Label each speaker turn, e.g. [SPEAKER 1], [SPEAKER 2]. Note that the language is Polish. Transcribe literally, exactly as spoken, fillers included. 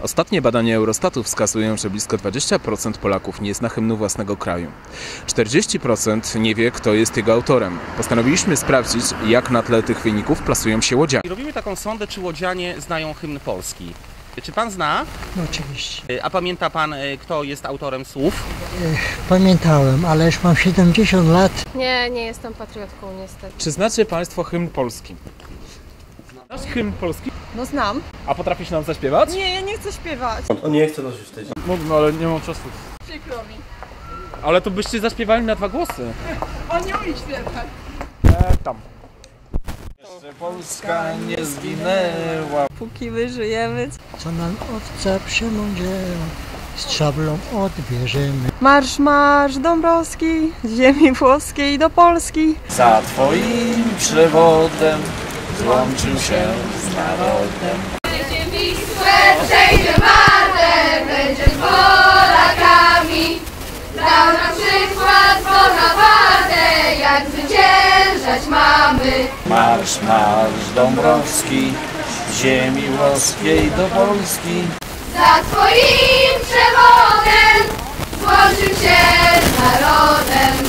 [SPEAKER 1] Ostatnie badania Eurostatu wskazują, że blisko dwadzieścia procent Polaków nie zna hymnu własnego kraju. czterdzieści procent nie wie, kto jest jego autorem. Postanowiliśmy sprawdzić, jak na tle tych wyników plasują się łodzianie.
[SPEAKER 2] Robimy taką sondę, czy łodzianie znają hymn polski. Czy pan zna?
[SPEAKER 3] No oczywiście.
[SPEAKER 2] A pamięta pan, kto jest autorem słów?
[SPEAKER 3] Pamiętałem, ale już mam siedemdziesiąt lat.
[SPEAKER 4] Nie, nie jestem patriotką niestety.
[SPEAKER 1] Czy znacie państwo hymn polski? Znasz hymn polski?
[SPEAKER 5] No znam.
[SPEAKER 1] A potrafisz nam zaśpiewać?
[SPEAKER 5] Nie, ja nie chcę śpiewać.
[SPEAKER 6] On nie chce nosić tej.
[SPEAKER 1] Mógłbym, ale nie mam czasu.
[SPEAKER 5] Przykro mi.
[SPEAKER 1] Ale to byście zaśpiewali na dwa głosy.
[SPEAKER 5] On nie umie śpiewać.
[SPEAKER 1] E, tam.
[SPEAKER 6] Jeszcze Polska nie zginęła.
[SPEAKER 5] Póki wyżyjemy.
[SPEAKER 3] Co nam owca przemądziała, z szablą odbierzemy.
[SPEAKER 5] Marsz, marsz Dąbrowski, z ziemi włoskiej do Polski.
[SPEAKER 6] Za twoim przewodem złączył się z narodem.
[SPEAKER 7] Przejdzie Wisłę, przejdzie Wartę, będzie z Polakami. Dał nam przykład Bonaparte, jak zwyciężać mamy.
[SPEAKER 6] Marsz, marsz Dąbrowski, z ziemi włoskiej do Polski.
[SPEAKER 7] Za twoim przewodem złączył się z narodem.